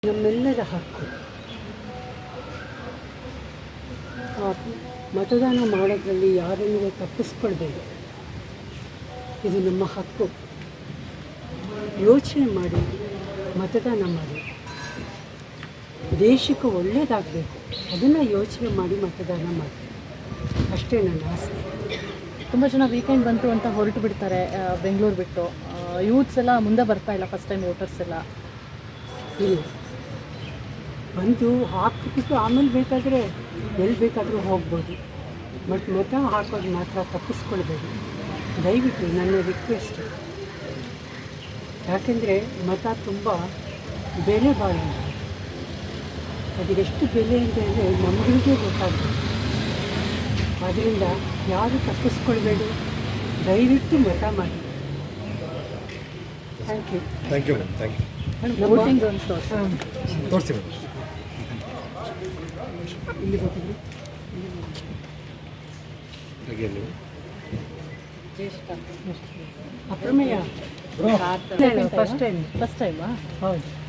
ನಮ್ಮೆಲ್ಲರ ಹಕ್ಕು. ಮತದಾನ ಮಾಡೋದ್ರಲ್ಲಿ ಯಾರನ್ನೂ ತಪ್ಪಿಸ್ಕೊಳ್ಬೇಡಿ. ಇದು ನಮ್ಮ ಹಕ್ಕು. ಯೋಚನೆ ಮಾಡಿ ಮತದಾನ ಮಾಡಿ. ದೇಶಕ್ಕೆ ಒಳ್ಳೆಯದಾಗಬೇಕು, ಅದನ್ನು ಯೋಚನೆ ಮಾಡಿ ಮತದಾನ ಮಾಡಿ. ಅಷ್ಟೇ ನನ್ನ ಆಸೆ. ತುಂಬ ಜನ ವೀಕೆಂಡ್ ಬಂತು ಅಂತ ಹೊರಟು ಬಿಡ್ತಾರೆ ಬೆಂಗಳೂರು ಬಿಟ್ಟು. ಯೂತ್ಸ್ ಎಲ್ಲ ಮುಂದೆ ಬರ್ತಾ ಇಲ್ಲ, ಫಸ್ಟ್ ಟೈಮ್ ವೋಟರ್ಸ್ ಎಲ್ಲ. ಇಲ್ಲ, ಬಂದು ಹಾಕಿಬಿಟ್ಟು ಆಮೇಲೆ ಬೇಕಾದರೆ ಎಲ್ಲಿ ಬೇಕಾದರೂ ಹೋಗ್ಬೋದು. ಬಟ್ ಮತ ಹಾಕೋದು ಮಾತ್ರ ತಪ್ಪಿಸ್ಕೊಳ್ಬೇಡಿ ದಯವಿಟ್ಟು, ನನ್ನ ರಿಕ್ವೆಸ್ಟ್. ಯಾಕೆಂದರೆ ಮತ ತುಂಬ ಬೆಲೆ ಬಾಳೋಣ. ಅದೆಷ್ಟು ಬೆಲೆ ಅಂತ ಅಂದರೆ ನಮಗಳಿಗೆ ಗೊತ್ತಾಗ್ತದೆ. ಆದ್ದರಿಂದ ಯಾರು ತಪ್ಪಿಸ್ಕೊಳ್ಬೇಡಿ, ದಯವಿಟ್ಟು ಮತ ಮಾಡಿ. Thank you. Thank you madam, thank you. Voting ಒಂದು ತೋರಿಸಿ ಮೇಡಮ್. ಇಲ್ಲಿ ಗೊತ್ತಿದ್ರು ಅಪ್ರಮೇಯ ಫಸ್ಟ್ ಟೈಮಾ? ಫಸ್ಟ್ ಟೈಮಾ? ಹೌದು.